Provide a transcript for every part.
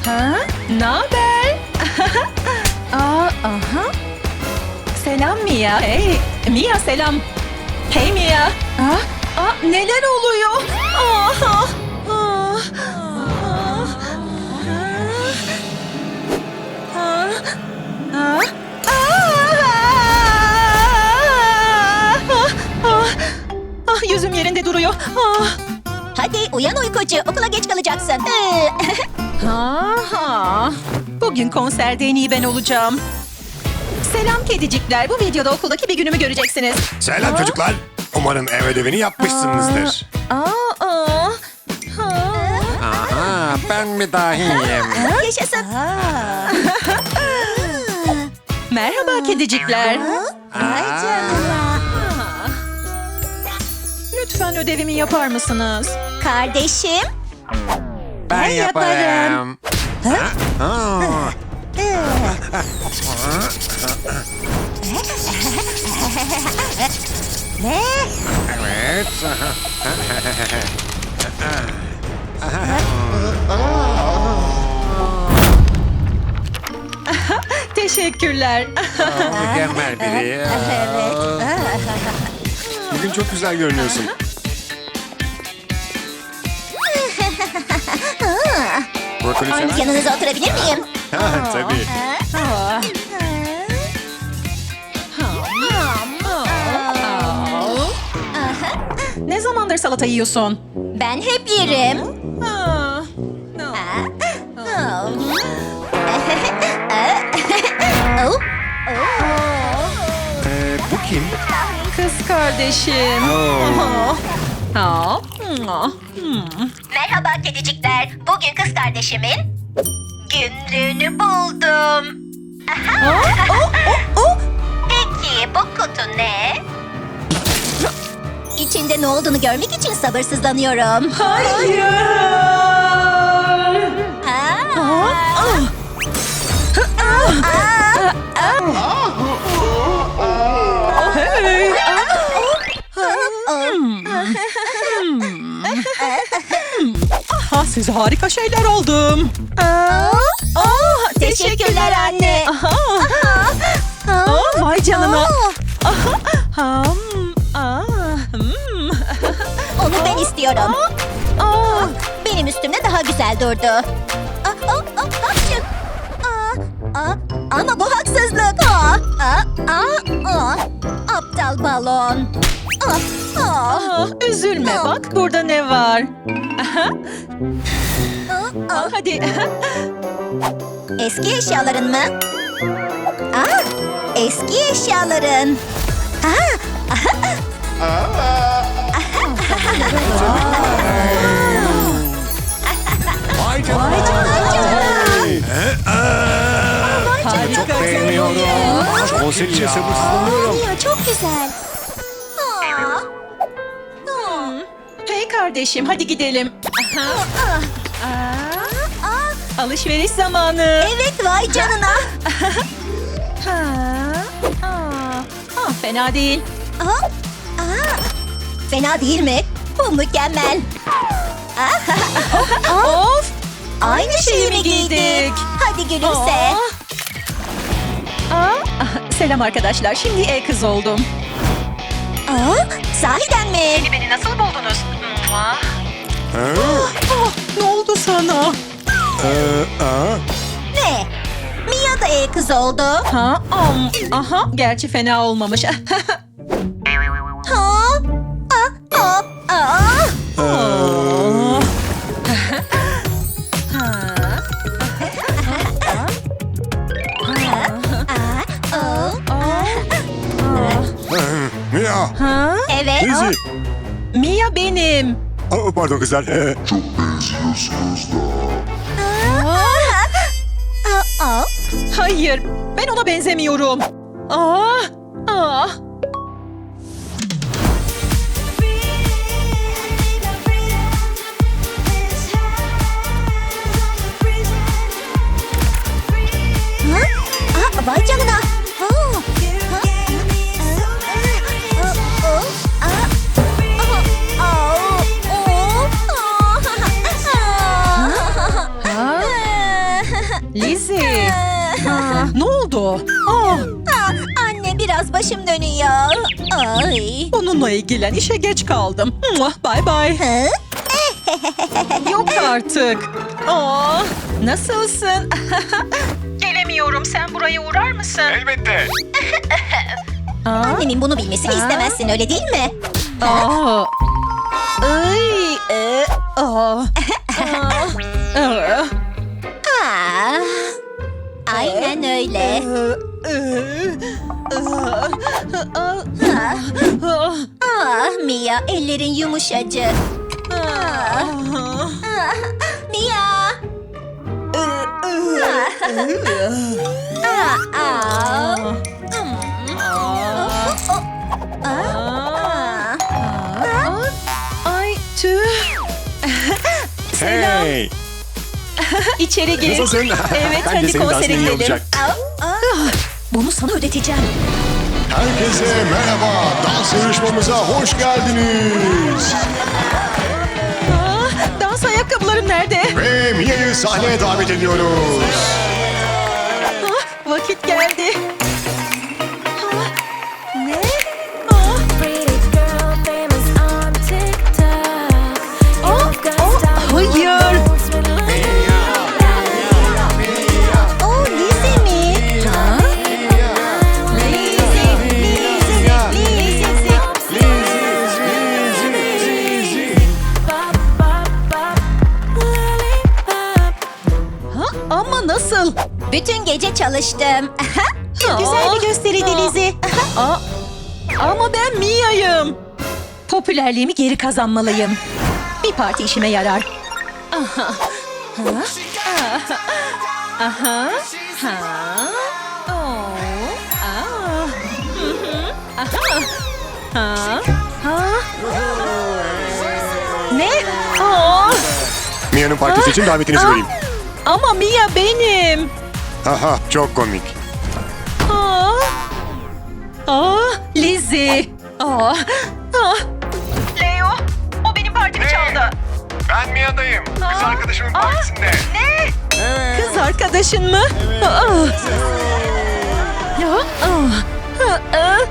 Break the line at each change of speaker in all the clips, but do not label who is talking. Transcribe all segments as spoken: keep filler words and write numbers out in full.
Ha? Naber? Aa, aha. Selam Mia. Hey, Mia selam. Hey Mia. Aa, aa, neler oluyor? Aa, aa, aa, aa, aa, aa, ah, yüzüm yerinde duruyor. Ah.
Hadi uyan uykucu, okula geç kalacaksın.
Ha, ha. Bugün konserde en iyi ben olacağım. Selam kedicikler. Bu videoda okuldaki bir günümü göreceksiniz.
Selam
Aa.
çocuklar. Umarım ev ödevini yapmışsınızdır.
Aa, aa. Ha.
Aha, ben mi dahiyim?
Yaşasın.
Merhaba kedicikler.
Ay canına.
Lütfen ödevimi yapar mısınız?
Kardeşim.
Ben
yaparım.
yaparım. Ha? Aa.
Ne?
Evet.
Teşekkürler.
Mükemmel biri.
Evet.
Bugün çok güzel görünüyorsun. Brokoli sever misin?
Yanınıza oturabilir miyim?
Ha, tabii.
Aa. Ne zamandır salata yiyorsun?
Ben hep yerim.
Aa.
Oh.
Ee, bu kim?
Kız kardeşim.
Oo.
Aa. Aa. Hmm.
Merhaba kedicikler. Bugün kız kardeşimin günlüğünü buldum. Aha. Peki bu kutu ne? İçinde ne olduğunu görmek için sabırsızlanıyorum.
Hayır.
Aa.
Hey. Aha, size harika şeyler aldım. Aa,
Teşekkürler anne.
Aha. Aa, vay canına. Aha. Ham. Aa. Hmm.
Onu ben istiyorum.
Aa.
Benim üstümde daha güzel durdu. Aa, aa, aa, hapşın. Aa, aa, ama bu haksızlık. Aa, aa, aa, aa. Aptal balon. Aa, aa,
Aa, üzülme bak burada ne var. Aha.
aa, aa.
Aa, hadi.
Eski eşyaların mı? Aa, eski eşyaların.
Vay canına. Ee, aa. Çok
Harika.
beğeniyorum. Konser için sabırsızlanıyorum.
Ya çok güzel. Aa,
Hmm. Hey kardeşim hadi gidelim. Aha.
aa,
Aa,
aa.
alışveriş zamanı.
Evet vay canına.
Ha. Aa. Ah, fena değil.
Aa, aa. Fena değil mi? Bu mükemmel.
Of.
Aynı şeyi mi giydik? Hadi gülümse.
Aa. Aa, ah, selam arkadaşlar. Şimdi e-kız oldum.
Aa, sahiden mi?
Beni nasıl buldunuz?
Ha?
Ah, ne oldu sana?
Ee, aa.
Ne? Mia da e-kız oldu.
Ha, am, aha, gerçi fena olmamış.
Ha? Aa, aa, aa.
Oh. Ha.
Aa, aa.
Mia.
Ha?
Evet.
Lizzie.
Mia benim.
Aa, pardon kızlar. Ee,
Aa, aa.
Hayır, ben ona benzemiyorum. Aa, aa.
Aa, vay canına. Aa.
Lizzie.
Ah,
Aa, ne oldu? Aa,
ah, anne biraz başım dönüyor. Ay.
onunla ilgilen, işe geç kaldım. Muah, Bye bye.
Hı?
Yok artık. Aa, nasılsın? Gelemiyorum. Sen buraya uğrar mısın?
Elbette.
Aa,
Annemin bunu bilmesini
Ha?
istemezsin öyle değil mi?
aa. Ay, e, aa. Aa, aa.
Ah, aynen öyle.
Ah,
Ah Mia, ellerin yumuşacık. Ah, Mia. Ah, ah. Hmm. Ah, ah.
Ay tüh. Selam.
Hey.
İçeri gir.
Nasılsın?
Evet,
Bence
hadi
senin dansın
konsere
iyi
gidelim.
olacak.
Ah, ah.
Bunu sana ödeteceğim.
Herkese merhaba. Dans yarışmamıza hoş geldiniz.
Aa, dans ayakkabılarım nerede?
Ve Mia'yı sahneye davet ediyoruz.
Ah, vakit geldi. Ah, ne? Ah,
Pretty girl famous on TikTok. You've got
oh,
style,
hayır.
moves with
Oh, Lizzie mi?
Ha?
Lizzie, Lizzie, Lizzie.
pop, pop, pop, lollipop.
Ha? Ama nasıl?
Bütün gece çalıştım.
Güzel bir
gösteriydi Lizzie.
Aa, ama ben Mia'yım. Popülerliğimi geri kazanmalıyım. Bir parti işime yarar. Aha. Ha? Aha. Aha. Ha. Oo. Aa. Hı hı. Aha. Ha. Ha. Ne? Aa.
Mia'nın partisi için davetinizi
Aa.
vereyim.
Ama Mia benim.
Haha, çok komik.
Aa. Aa, Lizzie. Aa. Aa. Leo, o benim partimi çaldı.
Ben Mia'dayım.
Kız
arkadaşımın
partisinde. Ne? Kız arkadaşın mı? Aa. Ya. Aa. Aa.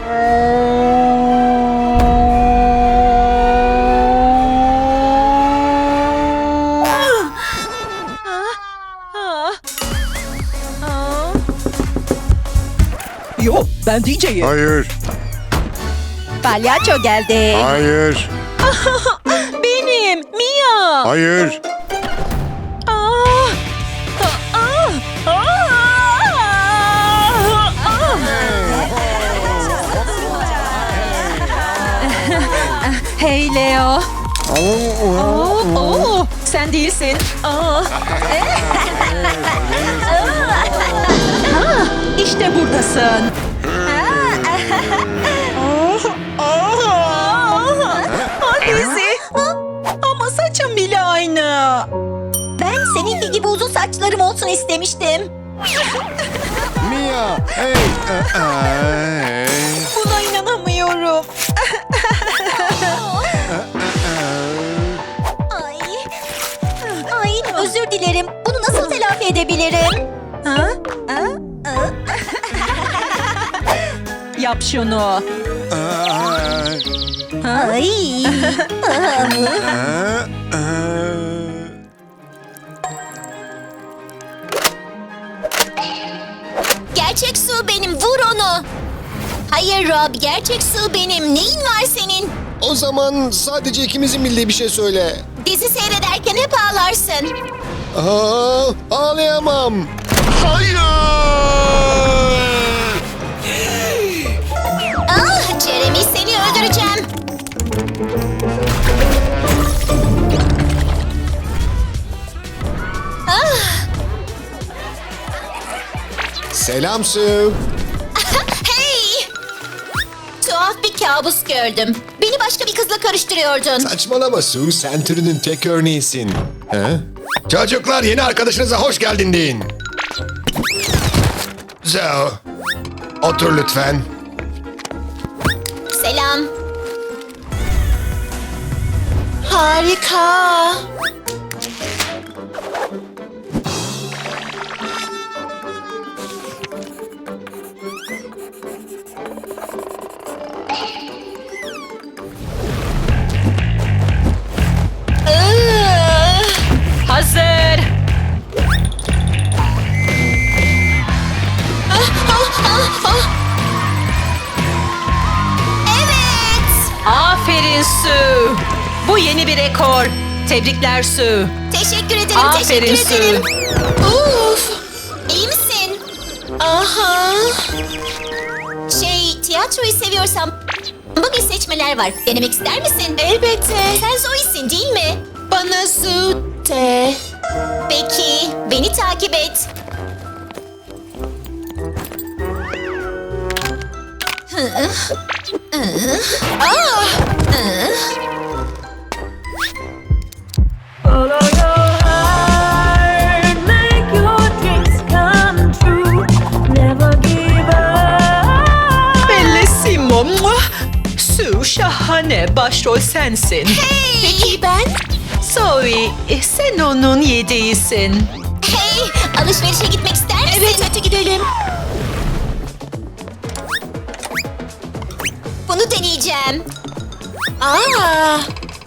Yo, ben D J'yim.
Hayır,
Palyaço geldi.
hayır,
Benim, Mia.
hayır.
Aa! Aa! Aa! Aa! Hey Leo. Oo, oo, sen değilsin. Aa. Ha, işte buradasın. Aa, Lizzie. Ama saçım bile aynı.
Ben seninki gibi uzun saçlarım olsun istemiştim.
Mia, hey. Aa, hey.
Buna inanamıyorum.
Ay. Ay, özür dilerim. Bunu nasıl telafi edebilirim?
Ha?
Ha? Ha?
Yap şunu.
Aa,
Ay.
aa, aa.
Gerçek su benim, vur onu. Hayır Rob, gerçek su benim. Neyin var senin?
O zaman sadece ikimizin bildiği bir şey söyle.
Dizi seyrederken hep ağlarsın.
Aa, ağlayamam. Hayır!
Ah, Jeremy seni öldüreceğim. Ah,
Selam Sue.
hey! Tuhaf bir kabus gördüm. Beni başka bir kızla karıştırıyordun.
Saçmalama Sue, sen türünün tek örneğisin. He? Çocuklar, yeni arkadaşınıza hoş geldin deyin. Zoe, otur lütfen.
Selam. Harika.
Aferin Sue. Bu yeni bir rekor. Tebrikler Sue.
Teşekkür ederim,
Aferin
teşekkür ederim.
Uf.
İyi misin?
Aha.
Şey, tiyatroyu seviyorsam bugün seçmeler var. Denemek ister misin?
Elbette.
Sen Zoe'sin değil mi?
Bana su de.
Peki, beni takip et.
Follow your heart, make your dreams come true. Never give up.
Bellissimo. Muah! Sue şahane. Başrol sensin.
Peki ben?
Zoe, e, sen onun yediğisin.
Hey, alışverişe gitmek ister misin?
Evet, hadi gidelim.
Bunu deneyeceğim.
Aa.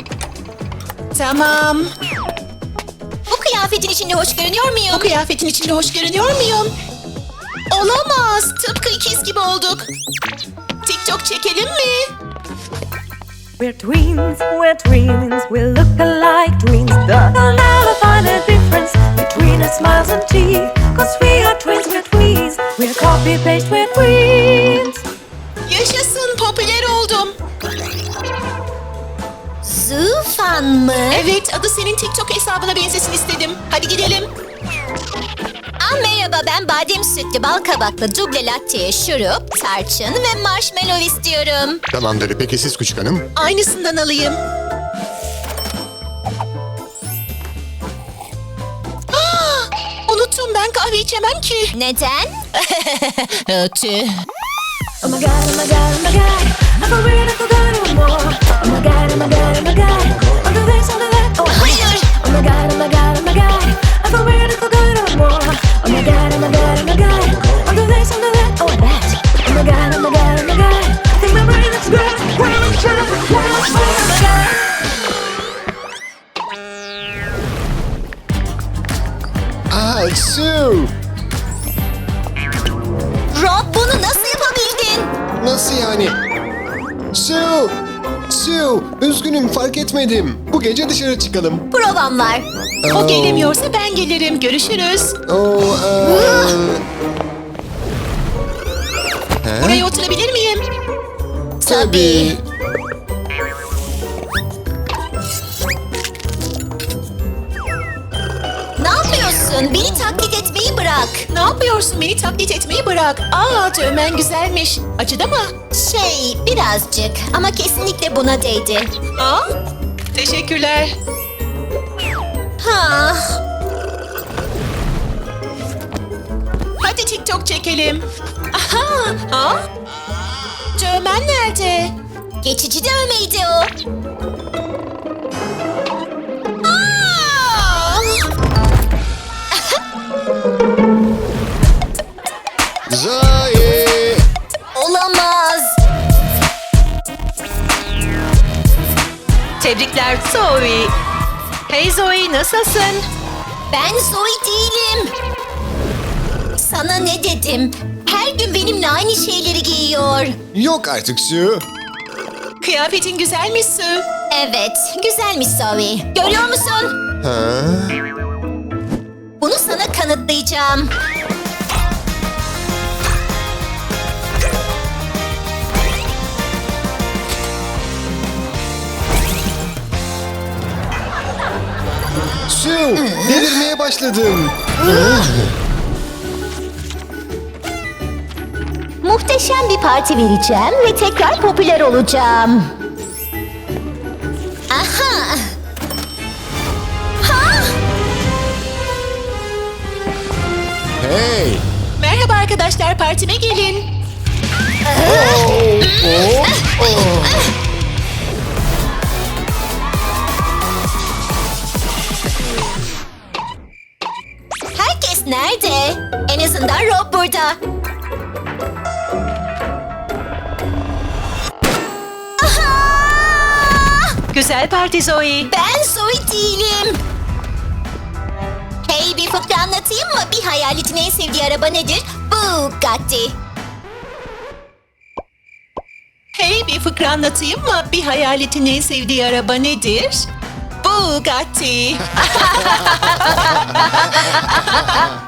Tamam.
Bu kıyafetin içinde hoş görünüyor muyum?
Bu kıyafetin içinde hoş görünüyor muyum? Olamaz. Tıpkı ikiz gibi olduk. TikTok çekelim mi?
We're twins, we're twins, we look alike twins. They'll never find a difference between our smiles and teeth. Cause we are twins, we're twins, we're copy paste, we're twins.
Yaşasın, popüler oldum.
Zufan mı?
Evet, adı senin TikTok hesabına benzesin istedim. Hadi gidelim.
Aa, merhaba, ben badem sütlü bal kabaklı duble latte, şurup, tarçın ve marshmallow istiyorum.
Tamamdır. Peki siz küçük hanım?
Aynısından alayım. Aa, unuttum, ben kahve içemem ki.
Neden?
Ötü.
Oh my god, oh my god, oh my god. I feel weird, I forgot one more. Oh my god, oh my god, oh my god. I'll do this, I'll do that. Oh,
Hayır.
oh my god, oh my god, oh my god. I feel weird, I forgot one more. Oh my god, oh my god, oh my god. I'll do this, I'll do that. Oh, and that. Oh my god, oh my god, oh my god. I think my brain is good. When I'm drunk, when I'm drunk, oh my god.
Aa, Sue!
Rob, bunu nasıl yapabildin?
Nasıl yani? Sue! Sue! Üzgünüm, fark etmedim. Bu gece dışarı çıkalım.
Provam var.
O gelemiyorsa ben gelirim. Görüşürüz.
Oo, aa,
Buraya oturabilir miyim?
tabii.
Ne yapıyorsun? Beni taklit etmeyi bırak.
Ne yapıyorsun? Beni taklit etmeyi bırak. Aa, dövmen güzelmiş. Acıdı mı?
Şey, birazcık ama kesinlikle buna değdi.
Aa, teşekkürler.
Ha,
Hadi TikTok çekelim. Aha, ha? Dövmen nerede?
geçici dövmeydi o.
Aa!
Zoe!
Olamaz.
Tebrikler Zoe. Hey Zoe, nasılsın?
Ben Zoe değilim. Sana ne dedim? Her gün benimle aynı şeyleri giyiyor.
Yok artık Sue.
Kıyafetin güzelmiş Sue.
Evet, güzelmiş Zoe. Görüyor musun?
Ha?
Bunu sana kanıtlayacağım.
Sue! Delirmeye başladım.
Muhteşem bir parti vereceğim ve tekrar popüler olacağım. Aha! Ha!
Hey!
Merhaba arkadaşlar, partime gelin.
Oh, oh, oh.
Herkes nerede? En azından Rob burada. Aha!
Güzel parti Zoe.
Ben Zoe değilim. Hey, bir fıkra anlatayım mı? Bir hayaletin en sevdiği araba nedir? Bugatti.
Hey, bir fıkra anlatayım mı? Bir hayaletin en sevdiği araba nedir? Bugatti.